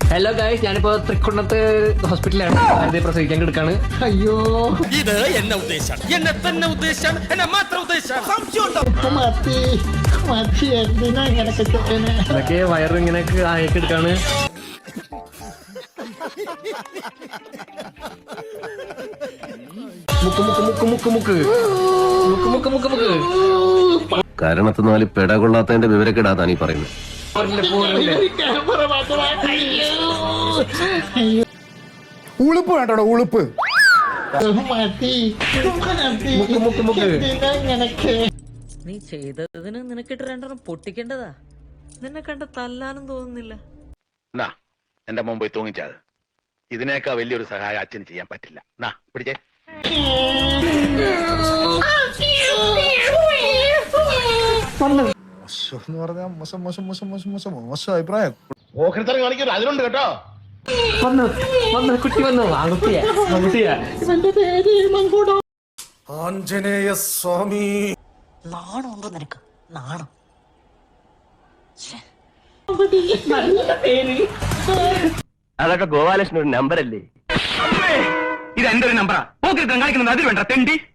Hello guys, ഞാനിപ്പോ തൃക്കുന്നത്ത് ഹോസ്പിറ്റലാണ്. ആദ്യം പ്രസവിക്കാൻ കിടക്കാണ്. അയ്യോ, ഇത് എന്നെ ഉദ്ദേശാണ്, എന്നെ തന്നെ ഉദ്ദേശാണ്, എന്നെ മാത്രം ഉദ്ദേശാണ്. അതൊക്കെ വയറ് ഇങ്ങനെ ആയൊക്കെ എടുക്കാണ്. മുക്ക് മുക്ക് മുക്ക് മുക്ക് മുക്ക് മുക്ക് മുക്ക് മുക്ക് മുക്ക്. കാരണത്തിനാല് പെട കൊള്ളാത്തതിന്റെ വിവരക്കെടാ നീ പറയുന്നത്. ഉളുപ്പ് വേണ്ടോ? ഉളുപ്പ് നീ ചെയ്തതിന് നിനക്കിട്ട് രണ്ടെണ്ണം പൊട്ടിക്കേണ്ടതാ. നിന്നെ കണ്ട തല്ലാനും തോന്നുന്നില്ല. എന്റെ മുമ്പ് തൂങ്ങിച്ചത് ഇതിനേക്കാ വലിയൊരു സഹായം അച്ഛന് ചെയ്യാൻ പറ്റില്ല. പിടിച്ചേ. എന്ന് പറഞ്ഞാൽ മോശം മോശം മോശം മോശം മോശം മോശം അഭിപ്രായം. ഓഹരിത്തരം കാണിക്കരുത്, അതിലുണ്ട് കേട്ടോ. വന്നു വന്നു കുട്ടി വന്നു. ആൺകുട്ടിയാ ആൺകുട്ടിയാ. ആഞ്ജനേയ സ്വാമി. നാണമുണ്ടോ നിനക്ക്? നാണം. അതൊക്കെ ഗോപാലകൃഷ്ണൻ ഒരു നമ്പറല്ലേ? ഇത് എന്റെ ഒരു നമ്പറാ. ഓഹരിത്തരം കാണിക്കുന്നത് അതിൽ വേണ്ട തെണ്ടി.